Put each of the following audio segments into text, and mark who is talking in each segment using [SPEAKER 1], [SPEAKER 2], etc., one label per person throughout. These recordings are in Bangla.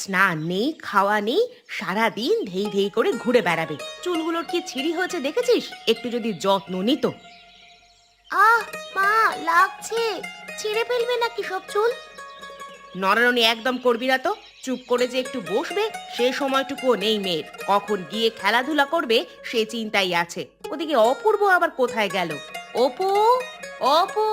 [SPEAKER 1] স্নান নেই, খাওয়া নেই, সারাদিন ধেই ধেই করে ঘুরে বেড়াবে। চুলগুলোর কি ছিঁড়ি হয়েছে দেখেছিস? একটু যদি যত্ন নিত।
[SPEAKER 2] আহ মা, লাগছে। ছিঁড়ে ফেলবে নাকি সব চুল?
[SPEAKER 1] নড়ানড়ি একদম করবি না তো। চুপ করে যে একটু বসবে সে সময়টুকুও নেই মেয়ের। কখন গিয়ে খেলাধুলা করবে সে চিন্তাই আছে। ওদিকে অপূর্ব আবার কোথায় গেল? অপু, অপু।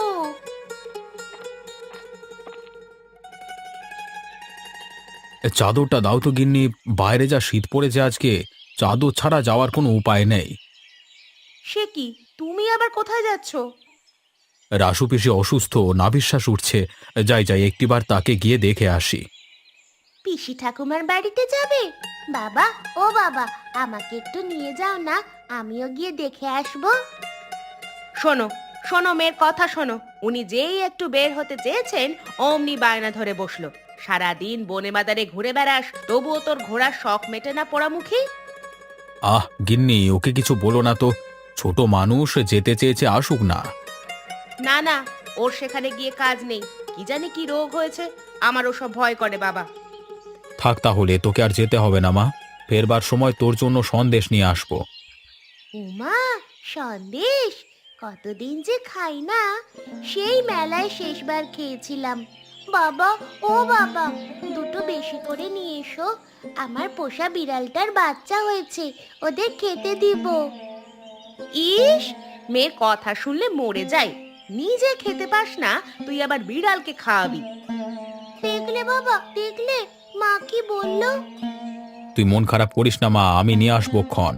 [SPEAKER 3] চাদরটা দাও তো গিন্নি। বাইরে যা শীত পড়েছে আজকে, চাদর ছাড়া যাওয়ার কোনো উপায় নেই।
[SPEAKER 1] সে কি, তুমি আবার কোথায় যাচ্ছ?
[SPEAKER 3] রাসু পিসি অসুস্থ, নাভিশ্বাস উঠছে। যাই যাই একটিবার তাকে গিয়ে দেখে আসি।
[SPEAKER 2] পিসি ঠাকুমার বাড়িতে যাবে? বাবা, ও বাবা, আমাকে একটু নিয়ে যাও না, আমিও গিয়ে দেখে আসবো।
[SPEAKER 1] শোনো, শোনো মেয়ের কথা শোনো। উনি যেই একটু বের হতে চেয়েছেন অমনি বায়না ধরে বসলো। সারাদিন বনে বাজারে ঘুরে বেড়াস, তবুও তোর ঘোড়ার শখ মেটে না পোড়ামুখী।
[SPEAKER 3] আহ গিন্নি, ওকে কিছু বলো না তো। ছোট মানুষ, যেতে চেয়েছে আসুক না।
[SPEAKER 1] না না, ওর সেখানে গিয়ে কাজ নেই। কি জানি কি রোগ হয়েছে, আমার ওসব ভয় করে বাবা।
[SPEAKER 3] থাক তাহলে, তোকে আর যেতে হবে না মা। ফেরবার সময় তোর জন্য সন্দেশ নিয়ে আসবো।
[SPEAKER 2] উমা, সন্দেশ! কতদিন যে খাই না। সেই মেলায় শেষবার খেয়েছিলাম। বাবা, ও বাবা, দুটো বেশি করে নিয়ে এসো। আমার পোষা বিড়ালটার বাচ্চা হয়েছে, ওদের খেতে দিব।
[SPEAKER 1] ইস, মেয়ের কথা শুনলে মরে যাই। নিজে খেতে পাস না, তুই আবার বিড়ালকে খাওয়াবি?
[SPEAKER 2] দেখলে বাবা, দেখলে মা কি বললো?
[SPEAKER 3] তুই মন খারাপ করিস না মা, আমি নিয়ে আসবো ক্ষণ।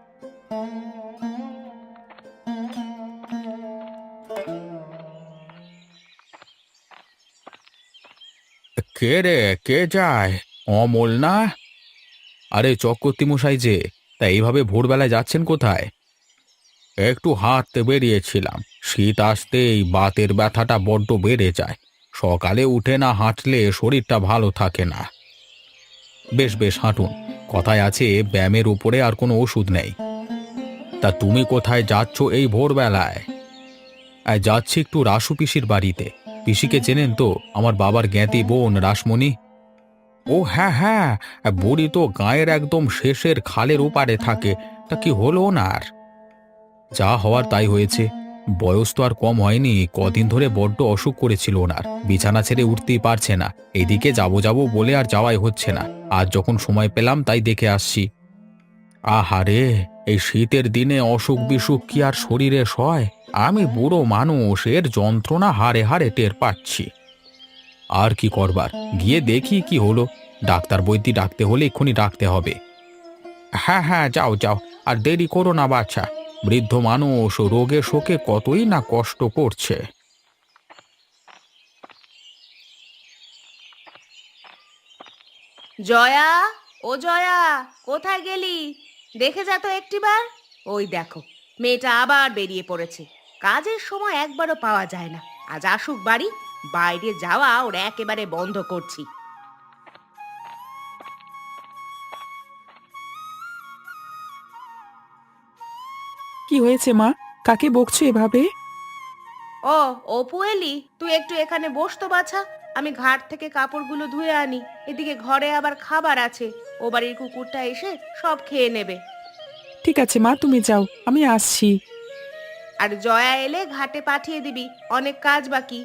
[SPEAKER 3] কে রে, কে যায়? অমল না? আরে চক্রবর্তী মশাই যে, তা এইভাবে ভোরবেলায় যাচ্ছেন কোথায়? একটু হাঁটতে বেরিয়েছিলাম। শীত আসতেই বাতের ব্যথাটা বড্ড বেড়ে যায়। সকালে উঠে না হাঁটলে শরীরটা ভালো থাকে না। বেশ বেশ হাঁটুন। কথায় আছে, ব্যায়ামের উপরে আর কোনো ওষুধ নেই। তা তুমি কোথায় যাচ্ছ এই ভোরবেলায়? যাচ্ছি একটু রাসু পিসির বাড়িতে। পিসিকে চেনেন তো, আমার বাবার জ্ঞাতি বোন রাসমণি। ও হ্যাঁ হ্যাঁ, বুড়ি তো গায়ের একদম শেষের খালের ওপারে থাকে। তা কি হলো ওনার? যা হওয়ার তাই হয়েছে। বয়স তো আর কম হয়নি, কদিন ধরে বড্ড অসুখ করেছিল ওনার। বিছানা ছেড়ে উঠতেই পারছে না। এদিকে যাবো যাবো বলে আর যাওয়াই হচ্ছে না। আজ যখন সময় পেলাম তাই দেখে আসছি। আহারে, এই শীতের দিনে অসুখ বিসুখ কি আর শরীরে সয়? আমি বুড়ো মানুষ, এর যন্ত্রণা হাড়ে হাড়ে টের পাচ্ছি। আর কি করবার, গিয়ে দেখি কি হলো। ডাক্তার বৈদ্যি ডাকতে হলে এক্ষুনি ডাকতে হবে। হ্যাঁ হ্যাঁ, যাও যাও, আর দেরি করো না বাছা। বৃদ্ধ মানুষ রোগে শোকে কতই না কষ্ট করছে।
[SPEAKER 1] জয়া, ও জয়া, কোথায় গেলি? দেখে যা তো একটিবার। ওই দেখো, মেয়েটা আবার বেরিয়ে পড়েছে। কাজের সময় একবারও পাওয়া যায় না। আজ আসুক বাড়ি, বাইরে যাওয়া ওর একেবারে বন্ধ করছি।
[SPEAKER 4] কি হয়েছে মা? কাকে বকছো এভাবে?
[SPEAKER 1] ও, অপু এলি? তুই একটু এখানে বস তো বাছা। আমি ঘাট থেকে কাপড়গুলো ধুয়ে আনি। এদিকে ঘরে আবার খাবার আছে। ও বাড়ির কুকুরটা এসে সব খেয়ে নেবে।
[SPEAKER 4] ঠিক আছে মা, তুমি যাও, আমি আসছি।
[SPEAKER 1] আর জয়া এলে ঘাটে পাঠিয়ে দিবি, অনেক কাজ বাকি।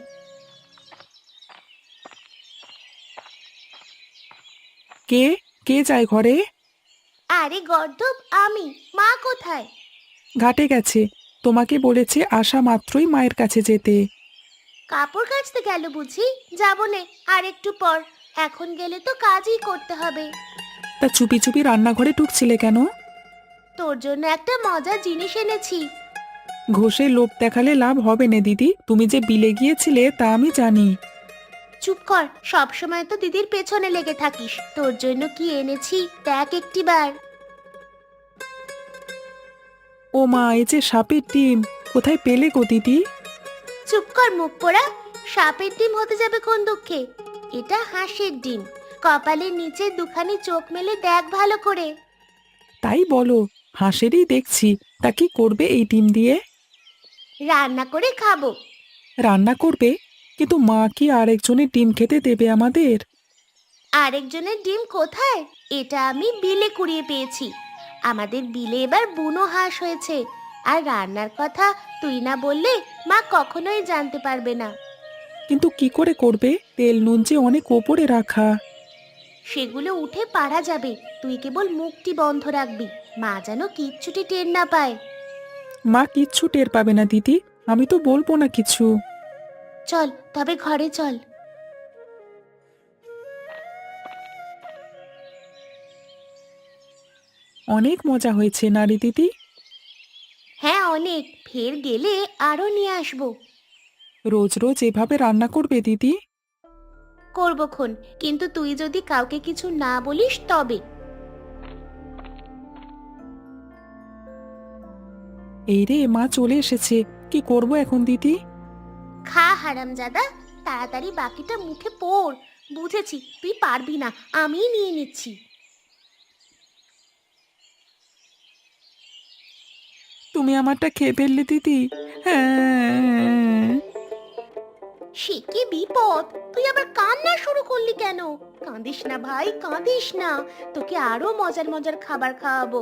[SPEAKER 4] কে কে যায় ঘরে?
[SPEAKER 2] আরে গর্দব, আমি। মা কোথায়?
[SPEAKER 4] ঘাটে গেছে। তোমাকে বলেছে আসা মাত্রই মায়ের কাছে যেতে।
[SPEAKER 2] কাপড় কাচতে গেল বুঝি? যাবো নে, আর একটু পর। এখন গেলে তো কাজই করতে হবে।
[SPEAKER 4] তা চুপি চুপি রান্নাঘরে ঢুকছিলে কেন?
[SPEAKER 2] তোর জন্য একটা মজার জিনিস এনেছি।
[SPEAKER 4] ঘষে লোভ দেখালে লাভ হবে না দিদি, তুমি যে বিলে গিয়েছিলে তা আমি জানি।
[SPEAKER 2] চুপ কর, সব সময় তো দিদির পেছনে লেগে থাকিস। তোর জন্য কি এনেছি দেখ একটিবার।
[SPEAKER 4] ও মা, এই যে সাপের ডিম! কোথায় পেলে গো দিদি?
[SPEAKER 2] চুপ কর মুখ পোড়া। সাপের ডিম হতে যাবে কোন দুঃখে? এটা হাঁসের ডিম। কপালের নিচে দুখানি চোখ মেলে দেখ ভালো করে।
[SPEAKER 4] তাই বলো? হাঁসেরই দেখছি। তা কি করবে এই ডিম দিয়ে?
[SPEAKER 2] রান্না করে খাবো।
[SPEAKER 4] রান্না করবে? কিন্তু মা কি আরেকজনের ডিম খেতে দেবে আমাদের?
[SPEAKER 2] আরেকজনের ডিম কোথায়? এটা আমি বিলে কুড়িয়ে পেয়েছি। আমাদের বিলে এবার বুনো হাঁস হয়েছে। আর রান্নার কথা তুই না বললে মা কখনোই জানতে পারবে না।
[SPEAKER 4] কিন্তু কি করে করবে? তেল নুন যে অনেক ওপরে রাখা।
[SPEAKER 2] সেগুলো উঠে পারা যাবে। তুই কেবল মুখটি বন্ধ রাখবি, মা যেন কিচ্ছুটি টের না পায়।
[SPEAKER 4] মা কিচ্ছু টের পাবে না দিদি, আমি তো বলবো না কিছু।
[SPEAKER 2] চল তবে ঘরে চল।
[SPEAKER 4] অনেক মজা হয়েছে না রে দিদি?
[SPEAKER 2] হ্যাঁ অনেক, ফের গেলে আরো নিয়ে আসবো।
[SPEAKER 4] রোজ রোজ এভাবে রান্না করবে দিদি?
[SPEAKER 2] করবক্ষণ, কিন্তু তুই যদি কাউকে কিছু না বলিস তবে।
[SPEAKER 4] এই রে, মা চলে এসেছে। কি করব এখন দিদি?
[SPEAKER 2] খা হারামজাদা, তাড়াতাড়ি বাকিটা মুখে পড়। বুঝেছি তুই পারবি না, আমিই নিয়ে নিচ্ছি।
[SPEAKER 4] তুমি আমারটা খেয়ে ফেললে দিদি। হ্যাঁ।
[SPEAKER 2] সে কি বিপদ! তুই আবার কান্না শুরু করলি কেন? কাঁদিস না ভাই, কাঁদিস না। তোকে আরো মজার মজার খাবার খাওয়াবো।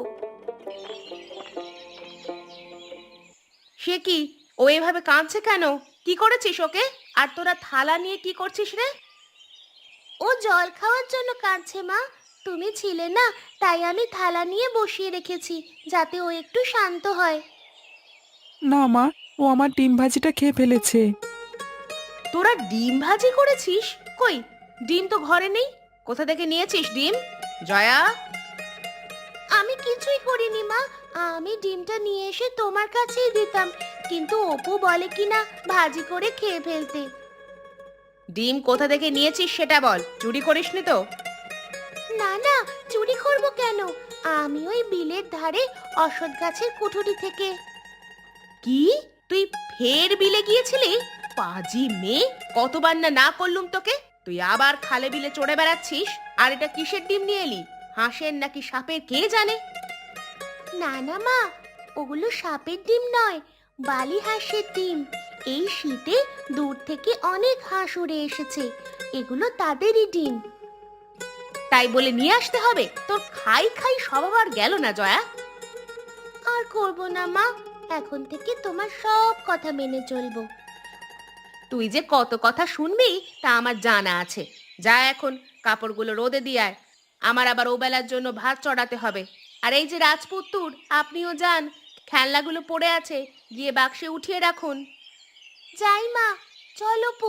[SPEAKER 1] সে কি, ও এভাবে কাঁদছে কেন? কি করেছিস ওকে? আর তোরা থালা নিয়ে কি করছিস রে?
[SPEAKER 2] ও জল খাওয়ার জন্য কাঁদছে মা। তুমি ছিলে না, তাই আমি থালা নিয়ে বসিয়ে রেখেছি, যাতে ও একটু শান্ত হয়।
[SPEAKER 4] না মা, ও আমার ডিম ভাজিটা খেয়ে ফেলেছে।
[SPEAKER 1] তোরা ডিম ভাজি করেছিস? কই, ডিম তো ঘরে নেই। কোথা থেকে নিয়েছিস ডিম? জয়া,
[SPEAKER 2] আমি কিছুই করিনি মা। আমি ডিমটা নিয়ে এসে তোমার কাছেই দিতাম, কিন্তু অপু বলে কিনা ভাজি করে খেয়ে ফেলতে।
[SPEAKER 1] ডিম কোথা থেকে নিয়েছিস সেটা বল, চুরি করিসনি তো?
[SPEAKER 2] না না, চুরি করব কেন? আমি ওই বিলের ধারে অশ্বত্থ গাছের কুঠুরি থেকে।
[SPEAKER 1] কি, তুই ফের বিলে গিয়েছিলি? পাজি মেয়ে, কতবার না না করলুম তোকে। তুই আবার খালে বিলে চড়ে বেড়াচ্ছিস। আর এটা কিসের ডিম নিয়ে এলি? হাঁসের নাকি সাপের কে জানে?
[SPEAKER 2] না না মা, ওগুলো সাপের ডিম নয়, বালি হাঁসের ডিম। এই শীতে দূর থেকে অনেক হাঁস উড়ে এসেছে, এগুলো তাদেরই ডিম।
[SPEAKER 1] তাই বলে নিয়ে আসতে হবে? তোর খাই খাই স্বভাব আর গেল না জয়া।
[SPEAKER 2] আর করব না মা, এখন থেকে তোমার সব কথা মেনে চলবো।
[SPEAKER 1] তুই যে কত কথা শুনবি তা আমার জানা আছে। যা এখন কাপড়গুলো রোদে দিয়ে আয়। আমার আবার ওবেলার জন্য ভাত চড়াতে হবে। আর এই যে রাজপুত্তুর, আপনিও যান। খেলনাগুলো পড়ে আছে, গিয়ে বাক্সে উঠিয়ে রাখুন।
[SPEAKER 2] যাই মা, চলো পু।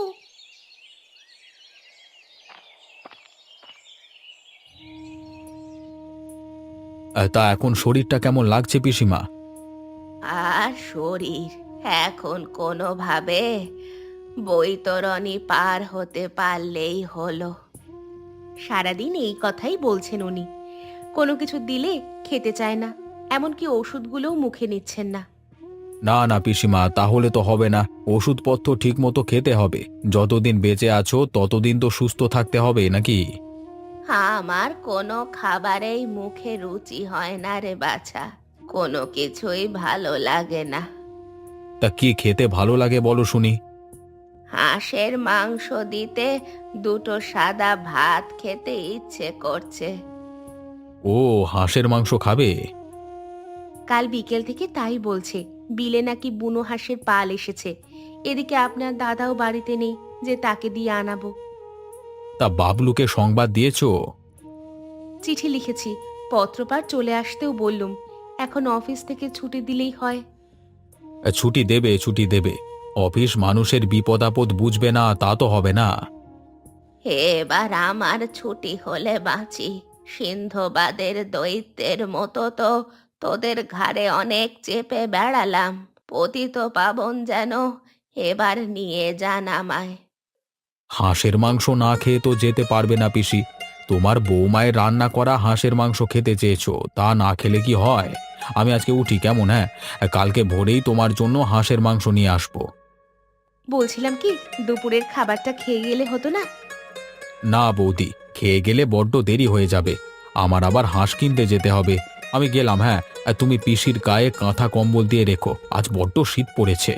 [SPEAKER 3] তা এখন শরীরটা কেমন লাগছে পিসিমা?
[SPEAKER 1] আর শরীর এখন কোনোভাবে বৈতরণী পার হতে পারলেই হলো। সারাদিন এই কথাই বলছেন উনি। কোনো কিছু দিলে খেতে চায় না, এমনকি ওষুধগুলোও মুখে নিচ্ছেন না।
[SPEAKER 3] না না পিসিমা, তাহলে তো হবে না। ওষুধপত্র ঠিক মতো খেতে হবে। যতদিন বেঁচে আছো ততদিন তো সুস্থ থাকতে হবে নাকি?
[SPEAKER 1] আমার কোনো খাবারেই মুখে রুচি হয় না রে বাছা। কোনো কিছুই ভালো লাগে না।
[SPEAKER 3] তা কি খেতে ভালো লাগে বলো শুনি?
[SPEAKER 1] হাঁসের মাংস দিতে দুটো সাদা ভাত খেতে ইচ্ছে করছে।
[SPEAKER 3] ও, হাঁসের মাংস খাবে?
[SPEAKER 1] কাল বিকেল থেকে তাই বলছে। বিলে নাকি বুনো হাঁসের পাল এসেছে। এদিকে আপনার দাদাও বাড়িতে নেই যে তাকে দিয়ে আনাবো।
[SPEAKER 3] তা বাবলুকে সংবাদ দিয়েছো?
[SPEAKER 1] চিঠি লিখেছি, পত্রপাঠ চলে আসতেও বললুম। এখন অফিস থেকে ছুটি দিলেই হয়।
[SPEAKER 3] ছুটি দেবে, ছুটি দেবে। অফিস মানুষের বিপদ আপদ বুঝবে না তা তো হবে না।
[SPEAKER 1] এবার আমার ছুটি হলে বাঁচি। সিন্ধবাদের দৈত্যের মতো তো তোদের ঘাড়ে অনেক চেপে বেড়ালাম। পতিত পাবন যেন এবার নিয়ে যান আমায়।
[SPEAKER 3] হাঁসের মাংস না খেয়ে তো যেতে পারবে না পিসি। তোমার বৌমায়ের রান্না করা হাঁসের মাংস খেতে চেয়েছো, তা না খেলে কি হয়? আমি আজকে উঠি কেমন? হ্যাঁ, কালকে ভোরেই তোমার জন্য হাঁসের মাংস নিয়ে আসবো।
[SPEAKER 1] বলছিলাম কি, দুপুরের খাবারটা খেয়ে গেলে হতো না?
[SPEAKER 3] না বৌদি, খেয়ে গেলে বড্ড দেরি হয়ে যাবে। আমার আবার হাঁস কিনতে যেতে হবে। আমি গেলাম, হ্যাঁ। আর তুমি পিসির গায়ে কাঁথা কম্বল দিয়ে রেখো, আজ বড্ড শীত পড়েছে।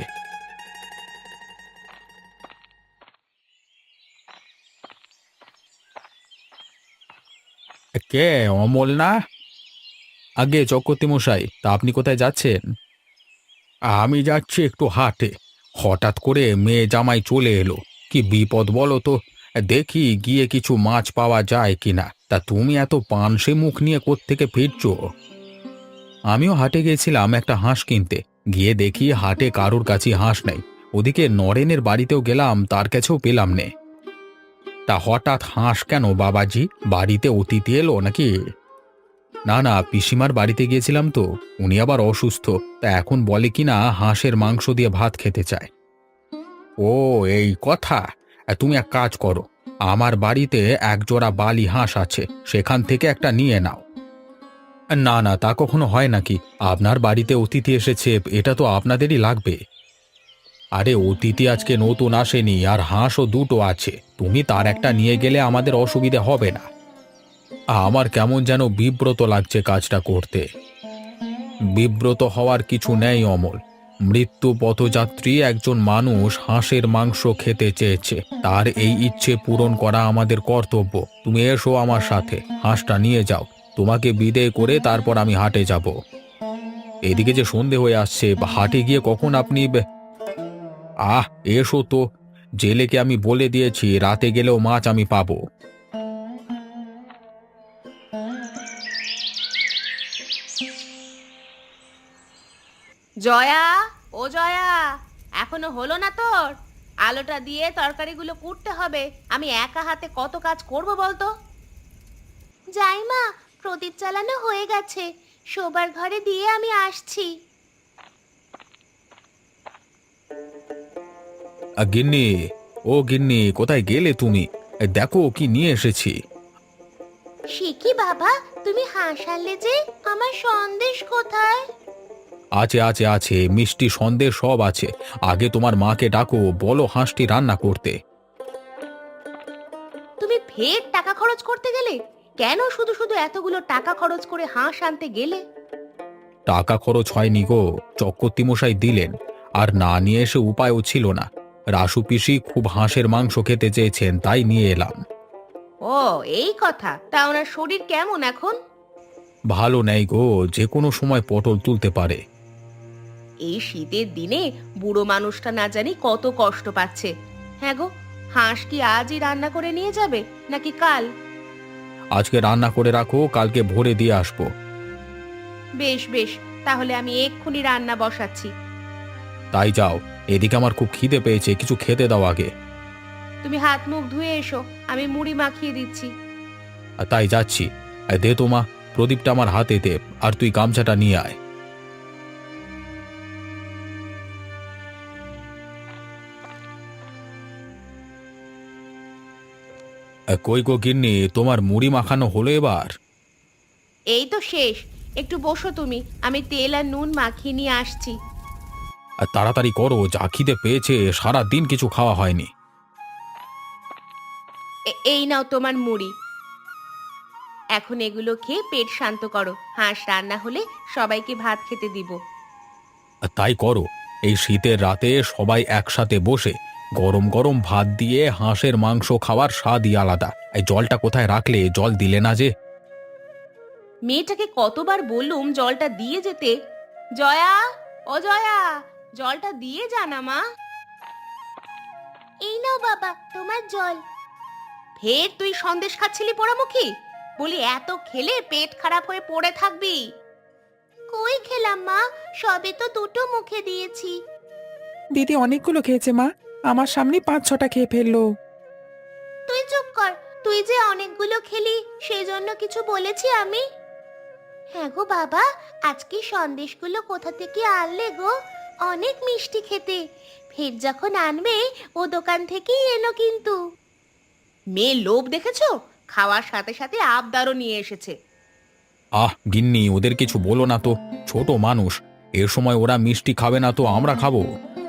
[SPEAKER 3] কে? অমল না? আগে চক্রবর্তী মশাই, তা আপনি কোথায় যাচ্ছেন? আমি যাচ্ছি একটু হাটে। হঠাৎ করে মেয়ে জামাই চলে এলো। কি বিপদ বলো তো। দেখি গিয়ে কিছু মাছ পাওয়া যায় কিনা। তা তুমি এত পানসে মুখ নিয়ে কোত্থেকে ফিরছো? আমিও হাটে গেছিলাম একটা হাঁস কিনতে। গিয়ে দেখি হাটে কারোর কাছে হাঁস নেই। ওদিকে নরেনের বাড়িতেও গেলাম, তার কাছেও পেলাম নে। তা হঠাৎ হাঁস কেন বাবাজি? বাড়িতে অতিথি এলো নাকি? না না, পিসিমার বাড়িতে গিয়েছিলাম তো। উনি আবার অসুস্থ। তা এখন বলে কিনা হাঁসের মাংস দিয়ে ভাত খেতে চায়। ও, এই কথা। তুমি এক কাজ করো, আমার বাড়িতে এক জোড়া বালি হাঁস আছে, সেখান থেকে একটা নিয়ে নাও। না না, তা কখনো হয় নাকি? আপনার বাড়িতে অতিথি এসেছে, এটা তো আপনাদেরই লাগবে। আরে অতিথি আজকে নতুন আসেনি, আর হাঁসও দুটো আছে। তুমি তার একটা নিয়ে গেলে আমাদের অসুবিধে হবে না। আমার কেমন যেন বিব্রত লাগছে কাজটা করতে। বিব্রত হওয়ার কিছু নেই অমল। মৃত্যু পথযাত্রী একজন মানুষ হাঁসের মাংস খেতে চেয়েছে, তার এই ইচ্ছে পূরণ করা আমাদের কর্তব্য। তুমি এসো আমার সাথে, হাঁসটা নিয়ে যাও। তোমাকে বিদেয় করে তারপর আমি হাটে যাব। এদিকে যে সন্ধে হয়ে আসছে, হাটে গিয়ে কখন আপনি এসো তো। জেলেকে আমি বলে দিয়েছি রাতে গেলেও মাছ আমি পাবো।
[SPEAKER 1] জয়া, ও জয়া, এখনো হলো না তোর? আলোটা দিয়ে তরকারিগুলো কুটতে হবে। আমি একা হাতে কত কাজ করব বলতো?
[SPEAKER 2] যাই মা, প্রদীপ চালানো হয়ে গেছে। শোবার ঘরে দিয়ে আমি আসছি।
[SPEAKER 3] গিন্নি, ও গিন্নি, কোথায় গেলে তুমি? দেখো কি নিয়ে এসেছি।
[SPEAKER 2] সে কি বাবা, তুমি হাসালে যে? আমার সন্দেশ কোথায়?
[SPEAKER 3] আছে আছে আছে, মিষ্টি সন্দেশ সব আছে। আগে তোমার মাকে ডাকো, বলো হাঁসটি রান্না করতে।
[SPEAKER 1] তুমি ফের টাকা খরচ করতে গেলে? কেন শুধু শুধু এতগুলো টাকা খরচ করে হাঁস আনতে গেলে?
[SPEAKER 3] টাকা খরচ হয়নি গো, চক্রবর্তী মশাই দিলেন। আর না নিয়ে এসে উপায়ও ছিল না। রাসু পিসি খুব হাঁসের মাংস খেতে চেয়েছেন, তাই নিয়ে এলাম।
[SPEAKER 1] ও, এই কথা। তা ওনার শরীর কেমন এখন?
[SPEAKER 3] ভালো নেই গো, যে কোনো সময় পটল তুলতে পারে।
[SPEAKER 1] এই শীতের দিনে বুড়ো মানুষটা না জানি কত কষ্ট পাচ্ছে। হ্যাঁ গো, হাঁস কি আজই রান্না করে নিয়ে যাবে নাকি কাল?
[SPEAKER 3] আজকে রান্না করে রাখো, কালকে ভোরে দিয়ে আসবো।
[SPEAKER 1] বেশ বেশ, তাহলে আমি এক্ষুনি রান্না বসাচ্ছি।
[SPEAKER 3] তাই যাও, এদিকে আমার খুব খিদে পেয়েছে, কিছু খেতে দাও আগে।
[SPEAKER 1] তুমি হাত মুখ ধুয়ে এসো, আমি মুড়ি মাখিয়ে দিচ্ছি।
[SPEAKER 3] আর তাই যাচ্ছি। দে তো মা, প্রদীপটা আমার হাতে দে, আর তুই গামছাটা নিয়ে আয়। কই গো গিন্নি, তোমার মুড়ি মাখানো হলো এবার?
[SPEAKER 1] এই তো শেষ। একটু বসো তুমি, আমি তেল আর নুন মাখিয়ে নিয়ে আসছি।
[SPEAKER 3] আর তাড়াতাড়ি করো, যা খিদে পেয়েছে, সারা দিন কিছু খাওয়া হয়নি।
[SPEAKER 1] এই নাও তোমার মুড়ি। এখন এগুলো খেয়ে পেট শান্ত করো। হাঁস রান্না হলে সবাইকে ভাত খেতে দিব।
[SPEAKER 3] আর তাই করো। এই শীতের রাতে সবাই একসাথে বসে গরম গরম ভাত দিয়ে হাঁসের মাংস খাওয়ার স্বাদই আলাদা। এই জলটা কোথায় রাখলে? জল দিলে না যে।
[SPEAKER 1] মেয়েটাকে কতবার বললুম জলটা দিয়ে যেতে। জয়া, ও জয়া, জলটা দিয়ে জানা মা।
[SPEAKER 2] এই নাও বাবা, তোমার জল।
[SPEAKER 1] ফের তুই সন্দেশ খাচ্ছিলি পোড়ামুখী? বলি এত খেলে পেট খারাপ হয়ে পড়ে থাকবি।
[SPEAKER 2] কই খেলাম মা, সবে তো দুটো মুখে দিয়েছি।
[SPEAKER 4] দিদি অনেকগুলো খেয়েছে মা, আমার সামনে 5-6টা খেয়ে ফেললো।
[SPEAKER 2] তুই চুপ কর, তুই যে অনেকগুলো খেলি সেই জন্য কিছু বলেছি আমি? হ্যাঁ গো বাবা, আজকে সন্দেশগুলো কোথা থেকে আনলে গো? অনেক মিষ্টি খেতে। ফের যখন আনবে ও দোকান থেকেই এনো কিন্তু।
[SPEAKER 1] মেয়ে লোভ দেখেছো? খাওয়ার সাথে সাথে আবদারও নিয়ে এসেছে।
[SPEAKER 3] গিন্নি, ওদের কিছু বলো না তো, ছোট মানুষ। এ সময় ওরা মিষ্টি খাবে না তো আমরা খাবো?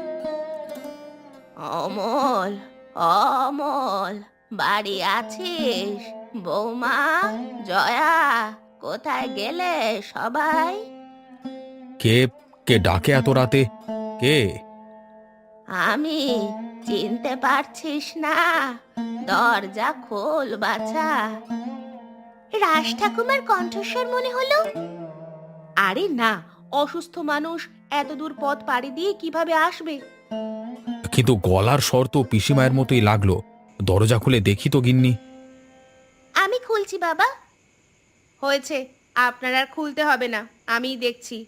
[SPEAKER 1] অমল, অমল, বাড়ি আছিস? বৌমা, জয়া, কোথায় গেলে সবাই?
[SPEAKER 3] কে? কে ডাকে এত রাতে? কে?
[SPEAKER 1] আমি, চিনতে পারছিস না? দরজা খোল বাছা।
[SPEAKER 2] রাজ ঠাকুমার কণ্ঠস্বর মনে হলো।
[SPEAKER 1] আরে না, অসুস্থ মানুষ এত দূর পথ পাড়ি দিয়ে কিভাবে আসবে?
[SPEAKER 3] কিন্তু গলার স্বর তো পিসিমায়ের মতোই লাগলো। দরজা খুলে দেখি তো গিন্নি।
[SPEAKER 2] আমি খুলছি বাবা।
[SPEAKER 1] হয়েছে, আপনার আর খুলতে হবে না, আমিই দেখছি।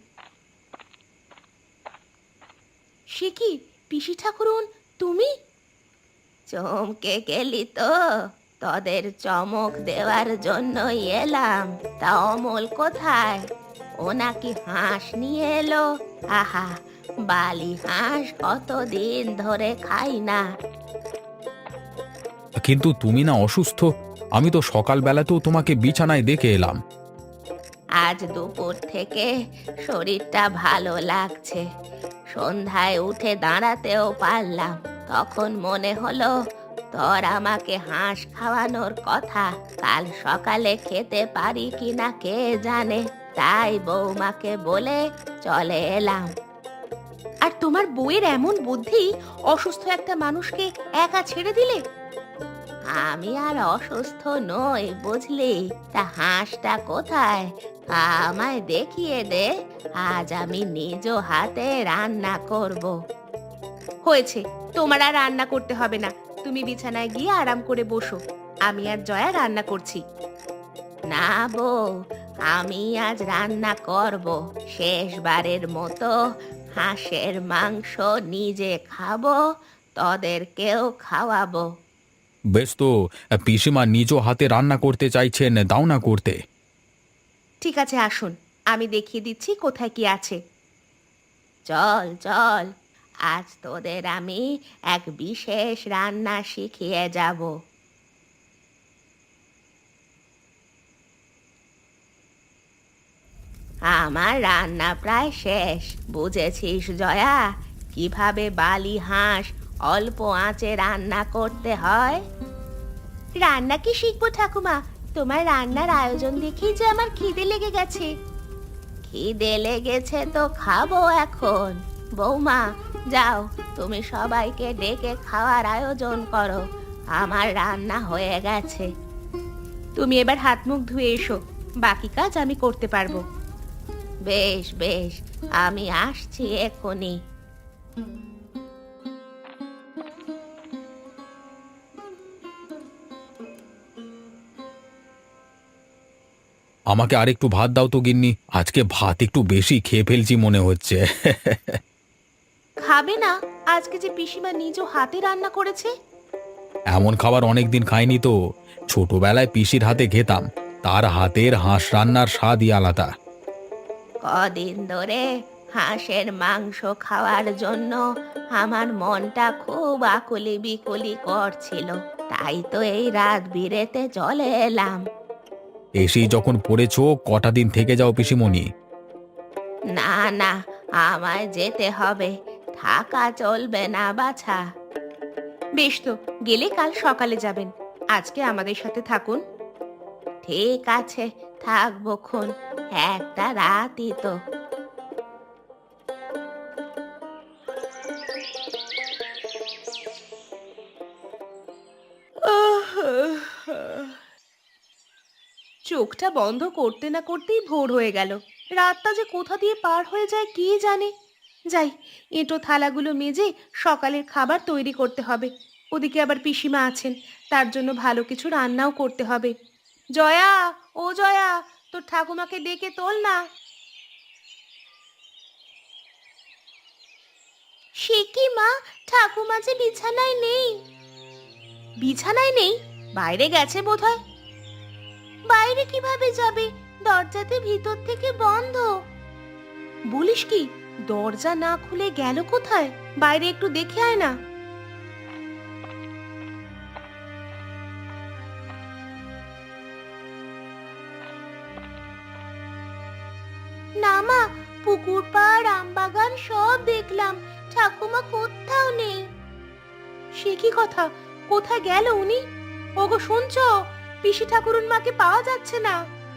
[SPEAKER 1] সে কি, পিসি ঠাকুরুন, তুমি?
[SPEAKER 2] চমকে গেলি তো? তোদের চমক দেওয়ার জন্যই এলাম। তা অমল কোথায়? ও নাকি হাঁস নিয়ে এলো। আহা, বালি হাঁস কতদিন ধরে খাই না।
[SPEAKER 3] কিন্তু তুমি না অসুস্থ? আমি তো সকালবেলাতেও তোমাকে বিছানায় দেখে এলাম।
[SPEAKER 2] আজ দুপুর থেকে শরীরটা ভালো লাগছে। সন্ধ্যায় উঠে দাঁড়াতেও পারলাম। তখন মনে হলো তোর আমাকে হাঁস খাওয়ানোর কথা। কাল সকালে খেতে পারি কিনা কে জানে। তাই বৌমাকে বলে চলে এলাম।
[SPEAKER 1] আর তোমার বউয়ের এমন বুদ্ধি, অসুস্থ একটা মানুষকে একা ছেড়ে দিলে?
[SPEAKER 2] আমি আর অসুস্থ নই বুঝলি। তা হাঁসটা কোথায়? আমায় দেখিয়ে দে। আজ আমি নিজ হাতে রান্না করব।
[SPEAKER 1] হয়েছে, তোমার আর রান্না করতে হবে না। তুমি বিছানায় গিয়ে আরাম করে বসো, আমি আর জয়া রান্না করছি।
[SPEAKER 2] না বউ, আমি আজ রান্না করব। শেষবারের মতো হাঁসের মাংস নিজে খাবো, তোদেরকেও খাওয়াবো।
[SPEAKER 3] বেশ তো, পিসিমা নিজ হাতে রান্না করতে চাইছেন, দাও না করতে।
[SPEAKER 1] ঠিক আছে, আসুন, আমি দেখিয়ে দিচ্ছি কোথায় কি আছে।
[SPEAKER 2] চল চল, আজ তোদের আমি এক বিশেষ রান্না শিখিয়ে যাব। আমার রান্না প্রায় শেষ। বুঝেছিস জয়া, কিভাবে বালি হাঁস অল্প আঁচে রান্না করতে হয়? রান্না কি শিখবো ঠাকুমা? তোমার রান্নার আয়োজন দেখেই যে আমার খিদে লেগে গেছে। খিদে লেগেছে তো খাবো এখন। বৌমা, যাও তুমি সবাইকে ডেকে খাওয়ার আয়োজন করো। আমার রান্না হয়ে গেছে।
[SPEAKER 1] তুমি এবার হাত মুখ ধুয়ে এসো, বাকি কাজ আমি করতে পারবো।
[SPEAKER 2] বেশ বেশ, আমি আসছি এক্ষুনি।
[SPEAKER 3] আমাকে আরেকটু ভাত দাও তো গিন্নি, আজকে ভাত একটু বেশি খেয়ে ফেলছি মনে হচ্ছে।
[SPEAKER 1] খাবে না? আজকে যে পিসিমা নিজ হাতে রান্না করেছে।
[SPEAKER 3] এমন খাবার অনেকদিন খাইনি তো। ছোটবেলায় পিসির হাতে খেতাম, তার হাতের হাঁস রান্নার স্বাদই আলাদা।
[SPEAKER 2] কদিন ধরে হাঁসের মাংস খাওয়ার জন্য আমার মনটা খুব আকুলি বিকুলি করছিল। তাই তো এই রাত বিরেতে চলে এলাম।
[SPEAKER 3] এসেই যখন পড়েছো, কটা দিন থেকে যাও পিসিমণি।
[SPEAKER 2] না না, আমায় যেতে হবে। থাকা চলবে না বাছা।
[SPEAKER 1] বেশ তো, গেলে কাল সকালে যাবেন, আজকে আমাদের সাথে থাকুন।
[SPEAKER 2] ঠিক আছে, থাকবো খন। একটা রাতই তো।
[SPEAKER 1] চোখটা বন্ধ করতে না করতেই ভোর হয়ে গেল। রাতটা যে কোথা দিয়ে পার হয়ে যায় কে জানে। যাই, এঁটো থালাগুলো মেজে সকালের খাবার তৈরি করতে হবে। ওদিকে আবার পিসিমা আছেন, তার জন্য ভালো কিছু রান্নাও করতে হবে। জয়া, ও জয়া, তোর ঠাকুমাকে ডেকে তোল না।
[SPEAKER 2] সে কি মা, ঠাকুমা যে বিছানায় নেই।
[SPEAKER 1] বিছানায় নেই? বাইরে গেছে বোধহয়।
[SPEAKER 2] বাইরে কিভাবে যাবে? দরজাতে ভিতর থেকে বন্ধ।
[SPEAKER 1] বলিস কি, দরজা না খুলে গেল কোথায়? বাইরে একটু দেখে আয় না।
[SPEAKER 2] না মা, পুকুর পাড় আমবাগান সব দেখলাম, ঠাকুমা কোথাও নেই।
[SPEAKER 1] সে কি কথা, কোথায় গেল উনি? ওগো শুনছো, পিসি ঠাকুরুন মাকে পাওয়া যাচ্ছে না।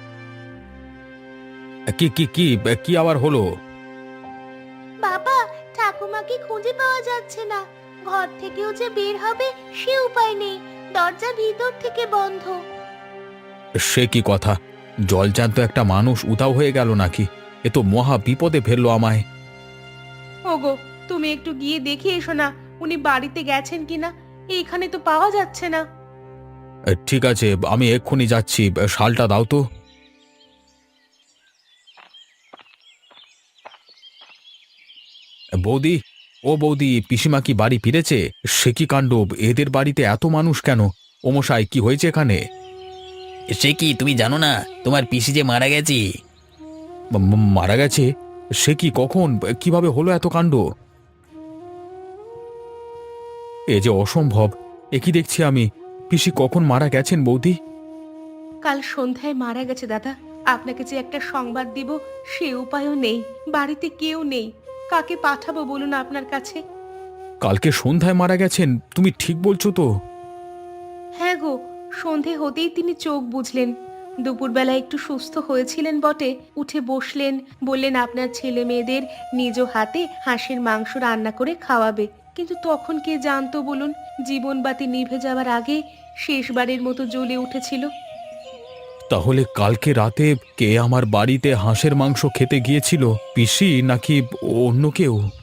[SPEAKER 3] কি কি কি কি আবার হলো?
[SPEAKER 2] বাবা, ঠাকুমাকে খুঁজে পাওয়া যাচ্ছে না। ঘর থেকেও যে বের হবে সে উপায় নেই, দরজা ভিতর থেকে বন্ধ।
[SPEAKER 3] সে কি কথা, জলজ্যান্ত একটা মানুষ উধাও হয়ে গেল নাকি? এ তো মহা বিপদে ফেললো আমায়।
[SPEAKER 1] ওগো, তুমি একটু গিয়ে দেখে এসো না উনি বাড়িতে গেছেন কিনা। এইখানে তো পাওয়া যাচ্ছে না।
[SPEAKER 3] ঠিক আছে, আমি এক্ষুনি যাচ্ছি, শালটা দাও তো। বৌদি, ও বৌদি, পিসিমা কি বাড়ি ফিরেছে? সে কি কাণ্ড, এদের বাড়িতে এত মানুষ কেন? ও মশাই, কি হয়েছে এখানে?
[SPEAKER 5] সে কি তুমি জানো না তোমার পিসি যে মারা গেছে?
[SPEAKER 3] মারা গেছে? সে কি, কখন, কিভাবে হলো এত কাণ্ড? এ যে অসম্ভব, এ কি দেখছি আমি! পিসি কখন মারা গেছেন বৌদি?
[SPEAKER 1] কাল সন্ধ্যায় মারা গেছে দাদা। আপনাকে যে একটা সংবাদ দিব সে উপায়ও নেই। বাড়িতে কেউ নেই, কাকে পাঠাবো বলুন আপনার কাছে?
[SPEAKER 3] কালকে সন্ধ্যায় মারা গেছেন? তুমি ঠিক বলছো তো?
[SPEAKER 1] হ্যাঁ গো, সন্ধে হতেই তিনি চোখ বুঝলেন। দুপুরবেলা একটু সুস্থ হয়েছিলেন বটে, উঠে বসলেন, বললেন আপনার ছেলে মেয়েদের নিজ হাতে হাঁসের মাংস রান্না করে খাওয়াবে। কিন্তু তখন কে জানতো বলুন, জীবনবাতি নিভে যাওয়ার আগে শেষবারের মতো জ্বলে উঠেছিল।
[SPEAKER 3] তাহলে কালকে রাতে কে আমার বাড়িতে হাঁসের মাংস খেতে গিয়েছিল? পিসি নাকি অন্য কেউ?